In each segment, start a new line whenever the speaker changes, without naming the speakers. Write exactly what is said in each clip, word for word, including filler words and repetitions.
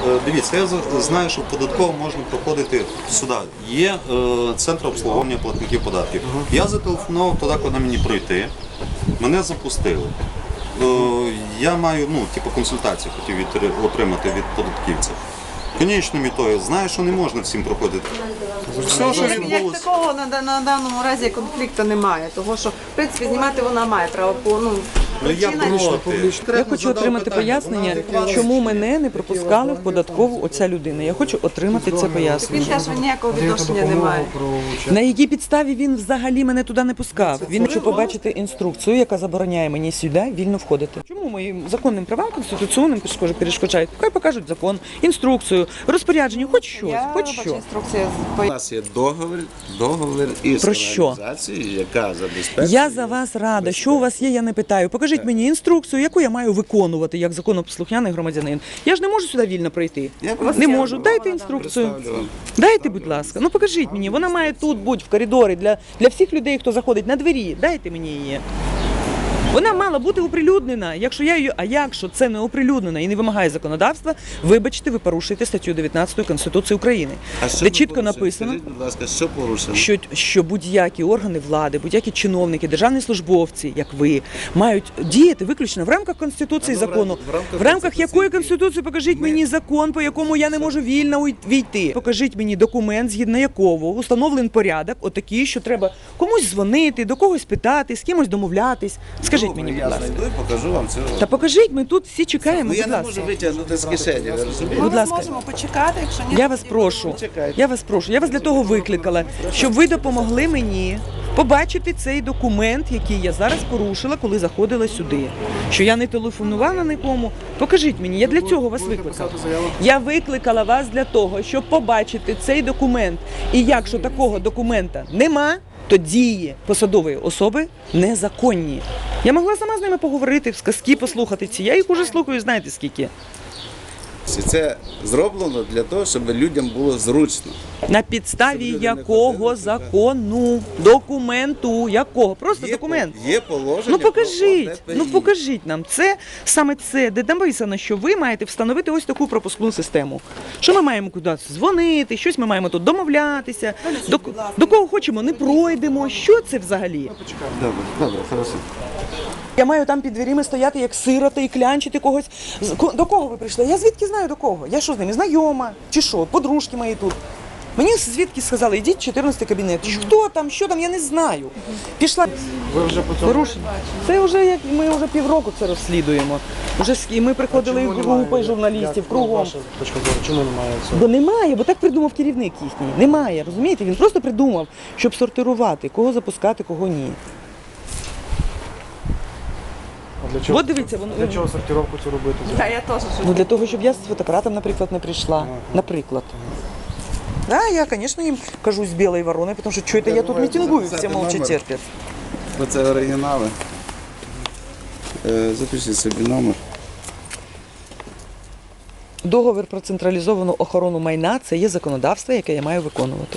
Дивіться, я знаю, що в податково можна проходити сюди. Є е, центр обслуговування платників податків. Uh-huh. Я зателефонував туди, куди мені пройти. Мене запустили. Е, я маю, ну, типу, консультацію хотів від, отримати від податківця. Конічною метою, знаю, що не можна всім проходити.
Все, що як, як такого на, на даному разі конфлікту немає, того що, в принципі, знімати вона має право по, ну,
Ну, я,
Я хочу отримати пояснення, чому мене не пропускали в податкову оця людина. Я хочу отримати це
Він
пояснення.
каже, що ніякого відношення немає.
На якій підставі він взагалі мене туди не пускав? Він хоче побачити інструкцію, яка забороняє мені сюди вільно входити. Чому моїм законним правам конституційним перешкоджають? Хай покажуть закон, інструкцію, розпорядження, хоч щось,
Я
хоч
бачу
що.
інструкція.
У нас є договір, договір із
Про що?
організацією, яка забезпечує.
Я за вас рада. Що у вас є, я не питаю. Покажіть мені інструкцію, яку я маю виконувати як законопослухняний громадянин. Я ж не можу сюди вільно пройти.
Я
Не можу. Дайте інструкцію.
представлю вам.
Дайте, будь ласка. Ну покажіть мені. Вона має тут бути в коридорі для, для всіх людей, хто заходить на двері. Дайте мені її. Вона мала бути оприлюднена. Якщо я її, а якщо це не оприлюднена і не вимагає законодавства, вибачте, ви порушуєте статтю дев'ятнадцять Конституції України,
А що
де
ви
чітко
порушили?
написано,
Скажіть, будь ласка, що порушено?
що, що будь-які органи влади, будь-які чиновники, державні службовці, як ви, мають діяти виключно в рамках Конституції і
А, ну, в
закону.
рамках- в рамках
В рамках
Конституції
якої Конституції покажіть
ми-
мені закон, по якому я не можу вільно уй- війти. Покажіть мені документ, згідно якого установлений порядок, отакий, що треба комусь дзвонити, до когось питати, з кимось домовлятись. Скажіть
Добре,
мені, будь
я
ласка.
знайду і покажу вам цього.
Та покажіть, ми тут всі чекаємо,
Ну, я
будь
не
ласка.
можу витягнути з кишені, ви розумієте?
Будь
Ми
ласка.
зможемо почекати, якщо ні.
Я вас прошу,
Почекайте.
я вас прошу, я вас для того викликала, щоб ви допомогли мені побачити цей документ, який я зараз порушила, коли заходила сюди. Що я не телефонувала нікому. Покажіть мені, я для цього вас викликала. Я викликала вас для того, щоб побачити цей документ. І якщо такого документа нема, то дії посадової особи незаконні. Я могла сама з ними поговорити, в сказки послухати ці. Я їх уже слухаю, знаєте скільки.
І це зроблено для того, щоб людям було зручно.
На підставі
Щоб люди не
якого
ходили сюди.
закону, документу, якого? Просто
Є
документ.
по- Є положення.
Ну
про
покажіть,
О Т П І.
ну покажіть нам це, саме це, де написано, що ви маєте встановити ось таку пропускну систему. Що ми маємо кудись дзвонити, щось ми маємо тут домовлятися, до, до кого хочемо, не пройдемо. Що це взагалі?
Добре, добре, хорошо.
Я маю там під дверима стояти як сирота і клянчити когось. З- ко- До кого ви прийшли? Я звідки знаю до кого? Я що з ними, знайома? Чи що? Подружки мої тут. Мені звідки сказали, йдіть в чотирнадцятий кабінет. Хто там, що там, я не знаю. Пішла.
Ви вже по цьому
Порушення. Це вже як ми вже півроку це розслідуємо. Вже ск- і ми приходили
Чому
в
немає?
групи журналістів
Як, ну,
кругом.
ваша точка зору, чому немає цього?
Бо немає, бо так придумав керівник їхній. Немає, розумієте? Він просто придумав, щоб сортирувати, кого запускати, кого ні.
А для чого,
От дивіться, воно-
для чого сортировку цю робити?
Та я теж щось.
Ну для того, щоб я з фотоапаратом, наприклад, не прийшла. Наприклад. Да, я, звісно, їм кажу з білої ворони, тому що що це я тут мітингую, всі мовчать
номер.
терпять.
Бо це оригінали. Е, Запишіть собі номер.
Договір про централізовану охорону майна – це є законодавство, яке я маю виконувати.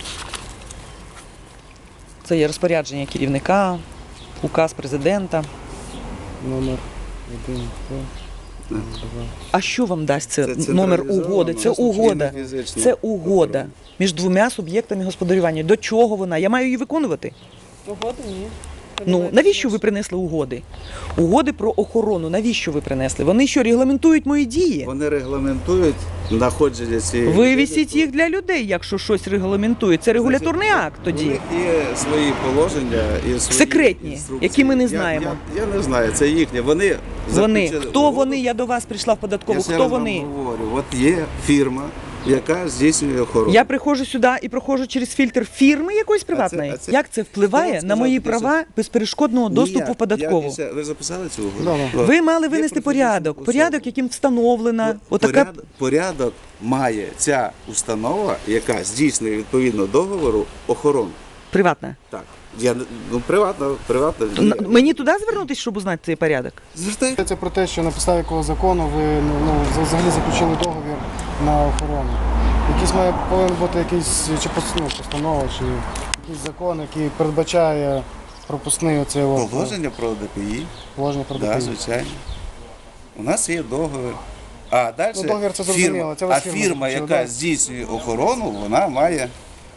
Це є розпорядження керівника, указ президента.
Номер один, два.
А що вам дасть це,
Це
номер
централізовано,
угоди? Це
власне,
угода.
чи не фізично?
Це угода між двома суб'єктами господарювання. До чого вона? Я маю її виконувати.
Угоди ні.
Ну, навіщо ви принесли угоди? Угоди про охорону, навіщо ви принесли? Вони що, регламентують мої дії?
Вони регламентують знаходження цієї.
Вивісіть їх для людей, якщо щось регламентує. Це регуляторний акт
У
тоді.
них є свої положення і свої
Секретні,
інструкції.
які ми не
Я-
знаємо.
Я, я не знаю, це їхнє. Вони
Вони.
заключили
Хто
угоду.
вони? Я до вас прийшла в
Я
податкову.
ще
Хто
раз вам
вони?
говорю, от є фірма, яка здійснює охорону.
Я приходжу сюди і проходжу через фільтр фірми якоїсь приватної.
а це-
Як це впливає
Хто вам
на мої
сказав,
права безперешкодного доступу
Ніяк.
в податкову?
Я після- Ви записали цю угоду?
Да, да.
Ви мали
Є
винести
професійна
порядок.
особа.
Порядок, яким встановлена
Ну,
отака.
порядок, порядок має ця установа, яка здійснює відповідно договору охорону.
Приватна.
Так. Я, не- ну, приватно, приватно.
Н- Мені туди звернутися, щоб узнати цей порядок?
Звертайте.
Це про те, що на підставі якого закону ви ну, ну, взагалі заключили договір на охорону. Якийсь має повинен бути якийсь чи пос- ну, постанова, чи якийсь закон, який передбачає пропускний оцей
Положення про Д П І.
положення про
Так,
ДПІ.
звичайно. У нас є договір А далі
Ну, договір це
фірма,
зрозуміло, це ви
а
з фірмою
фірма,
заключили,
яка
да?
здійснює охорону, вона має.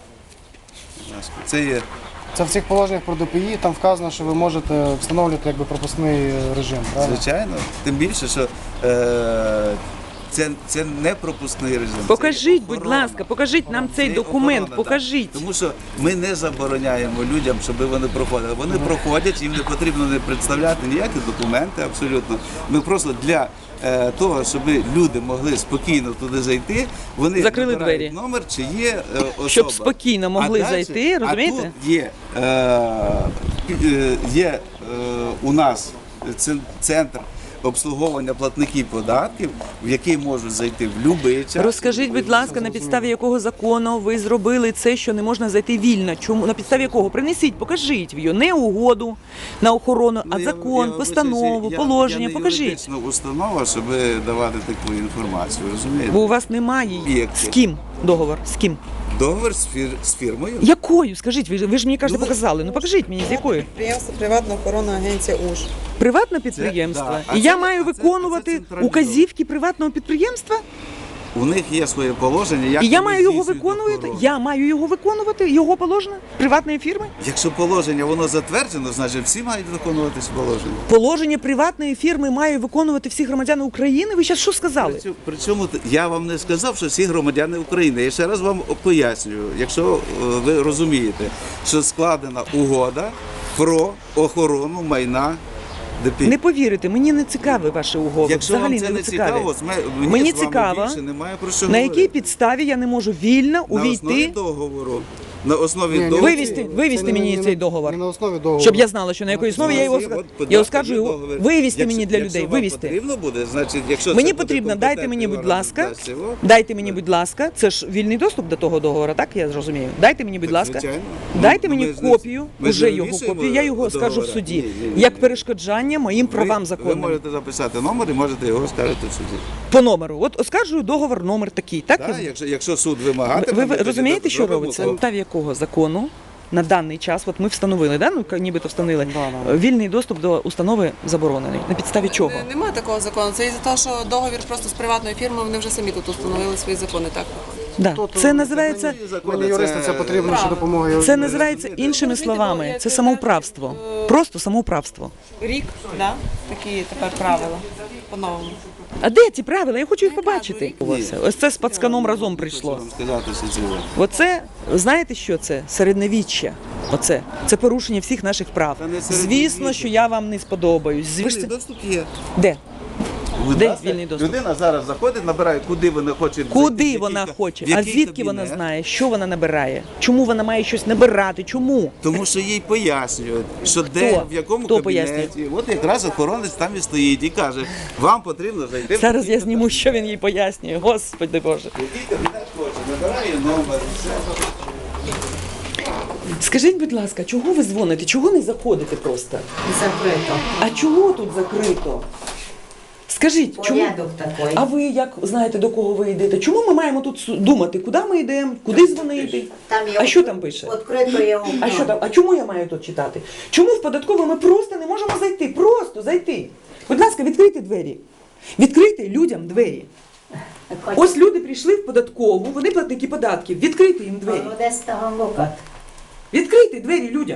Це є.
Це в цих положеннях про ДПІ, там вказано, що ви можете встановлювати якби пропускний режим, правильно?
Звичайно, тим більше, що е, це, це не пропускний режим. це
Покажіть, будь
охорона.
ласка, покажіть нам
Це
цей
є
документ,
охорона,
покажіть.
так. Тому що ми не забороняємо людям, щоб вони проходили. Вони проходять, їм не потрібно не представляти ніякі документи абсолютно. Ми просто для е, того, щоб люди могли спокійно туди зайти, вони
Закрили
вибирають
двері.
номер, чи є е, особа.
Щоб спокійно могли
А далі-
зайти, розумієте?
А тут є, е, е, є е, у нас ц- центр обслуговування платників податків, в який можуть зайти в будь-який час.
Розкажіть, будь ласка, на підставі якого закону ви зробили це, що не можна зайти вільно? Чому на підставі якого? Принесіть, покажіть його. Не угоду на охорону, а
Ну, я-
закон,
я
постанову,
вибачаюся, я-
положення.
Я не
Покажіть.
юридична установа, щоб давати таку інформацію, розумієте?
Бо у вас немає її.
Об'єкти.
З ким договор? З ким?
Договір з, фір, з фірмою.
Якою? Скажіть, ви ж ви ж мені кажете,
Ну, ви-
показали. Ну покажіть мені, з якою?
Підприємство приватна охоронна агенція УЖ.
Приватне підприємство.
да. А
І я
це-
маю
а це- а це
виконувати
централізовано.
указівки приватного підприємства?
У них є своє положення. Як
І я
вони
маю його
здійснюють
виконувати?
охорону.
Я маю його виконувати? Його положення? Приватної фірми?
Якщо положення воно затверджено, значить всі мають виконувати це положення.
Положення приватної фірми має виконувати всі громадяни України? Ви зараз що сказали?
Причому- Причому т- я вам не сказав, що всі громадяни України. Я ще раз вам пояснюю, якщо е, ви розумієте, що складена угода про охорону майна ДПІ.
Не повірите, мені не цікаві ваші угоди.
Якщо
Взагалі
вам це
не
не
цікаві.
цікаво, мені,
Мені
з вами
цікаво,
більше немає про що
На
говорити.
якій підставі я не можу вільно
На основі
увійти?
договору. На основі
Ні, ні,
договору.
Вивести,
це
вивести
не-
мені
не-
цей договор.
Не на основі договору.
Щоб я знала, що на якій основі я його
От,
оскаржу.
будь
Я
ласка,
оскаржую його.
договір.
Вивести
Якщо-
мені для
якщо
людей.
вам
Вивести.
потрібно буде, значить, якщо
Мені
це буде
потрібно, дайте мені,
компетентний
будь
орган,
ласка,
дасть його.
дайте мені, будь ласка, це ж вільний доступ до того договору, так я зрозумію. Дайте мені, будь
Так,
ласка,
звичайно.
дайте
Ну,
мені
ми ж не-
копію,
ми ж
уже
не
його
вивішуємо
копію, я його оскаржу в
договора.
суді,
Ні, ні, ні,
як
ні.
перешкоджання моїм правам
Ви
законним.
можете записати номер і можете його оскаржити в суді.
По номеру. От оскаржую договор номер такий, так?
Так, якщо, якщо суд вимагатиме,
Ви,
ми
ви
тоді
розумієте, що
зробимо
робиться?
то.
На підставі якого закону на даний час, от ми встановили, да? Ну, нібито встановили,
Да, да.
вільний доступ до установи заборонений. На підставі чого?
Не- Немає такого закону. Це із-за того, що договір просто з приватною фірмою, вони вже самі тут установили свої закони. Так
Да.
Тут,
Це
е,
називається,
Мені юристи це потрібно, що допомога.
це називається іншими словами. Це самоуправство. Просто самоуправство.
рік, да? такі тепер правила по-новому.
А де ці правила? Я хочу їх побачити. Ось це з пацканом разом прийшло.
Хочу вам сказати, що це ви.
Оце, знаєте що це? Середньовіччя. Оце. Це порушення всіх наших прав.
Та не середньовіччя.
Звісно, що я вам не сподобаюсь.
Вільний
Звісно.
доступ є.
Де?
Будь
Де
ласка,
вільний доступ?
Людина зараз заходить, набирає, куди вона хоче зайти, в
Куди
який
вона
ка-
хоче?
в
А
який
звідки вона
кабінет.
знає, що вона набирає? Чому вона має щось набирати? Чому?
Тому що їй пояснюють, що де, в якому
Хто
кабінеті.
пояснює?
От якраз охоронець там і стоїть і каже, вам потрібно зайти. в
Зараз я
такий
зніму, що він їй пояснює. Господи Боже.
кабінет. Який кабінет хоче, набирає номер. Все.
Скажіть, будь ласка, чого ви дзвоните? Чого не заходите просто?
Закрито.
А чого тут закрито? Скажіть, чому?
Порядок такий.
А ви як знаєте, до кого ви йдете? Чому ми маємо тут су- думати, куди ми йдемо, куди дзвонити?
Там є
А що там пише?
Відкрито є окно.
А що там? А чому я маю тут читати? Чому в податкову ми просто не можемо зайти? Просто зайти. Будь ласка, відкрийте двері. Відкрийте людям двері. Ось люди прийшли в податкову, вони платники податків. Відкрийте їм двері.
Одеського лука.
Відкрийте двері людям.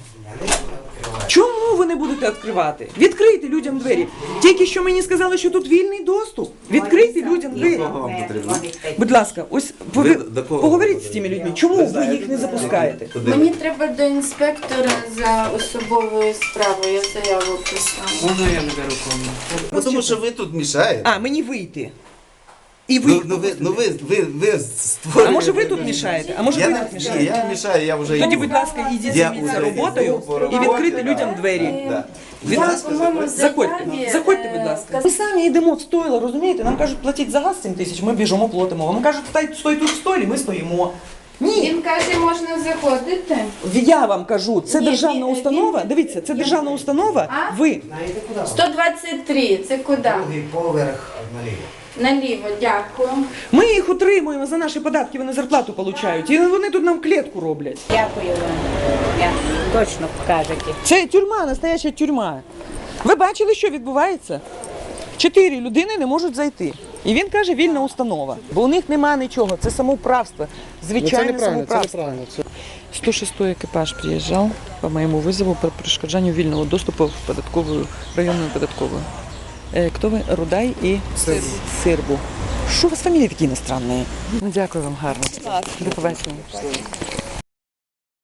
Чому ви не будете відкривати? Відкрийте людям двері. Тільки що мені сказали, що тут вільний доступ. Відкрийте людям двері.
вам потрібно?
Будь ласка, ось
Ви
ви,
до кого
поговоріть
ви
з тими людьми. Чому ви їх не запускаєте?
Куди
Мені
ви?
треба до інспектора за особовою справою. Я заяву писала.
Ну, тому що ви тут мішаєте.
А, мені вийти. І ви.
Ну, ну, ви, ну ви, ви, ви створюєте.
А може ви тут мішаєте? А може
Я
ви
не
тут
мішаю,
мішаєте?
я не мішаю, я вже
Тоді,
йду.
будь ласка, ідіть
Я
займіться
вже
роботою
йду по
і
роботі,
відкрити
да.
людям двері.
Да.
Від
Я,
нас
по-моєму,
Заходьте,
заяві,
заходьте,
е,
будь ласка. Ми самі йдемо в стойло, розумієте? Нам кажуть, платіть за газ сім тисяч, ми біжимо, платимо. Вам кажуть, стай, стой тут в стойлі, ми стоїмо. Ні,
Він каже, можна заходити.
я вам кажу, це
Ні,
державна
він-
установа.
він-
Дивіться, це державна установа.
А?
Ви
сто двадцять три, це куди?
Поверх наліво.
Наліво, дякую.
Ми їх утримуємо за наші податки, вони зарплату получають. І вони тут нам клітку роблять.
Дякую вам. Дякую. Точно покажете.
Це тюрма, настояща тюрма. Ви бачили, що відбувається? Чотири людини не можуть зайти. І він каже, вільна установа. Бо у них нема нічого, це самоуправство.
Ну, це
Звичайне
неправильно, це
самоуправство.
неправильно. Це...
сто шестой экипаж приезжал по моему вызову по перешкоджанию вільного доступу в податковую, районную податковую. Е, Хто ви? Рудай і
Сирбу.
Сирбу. Що у вас фамілії такі іностранні? Ну, дякую вам гарно. До побачення.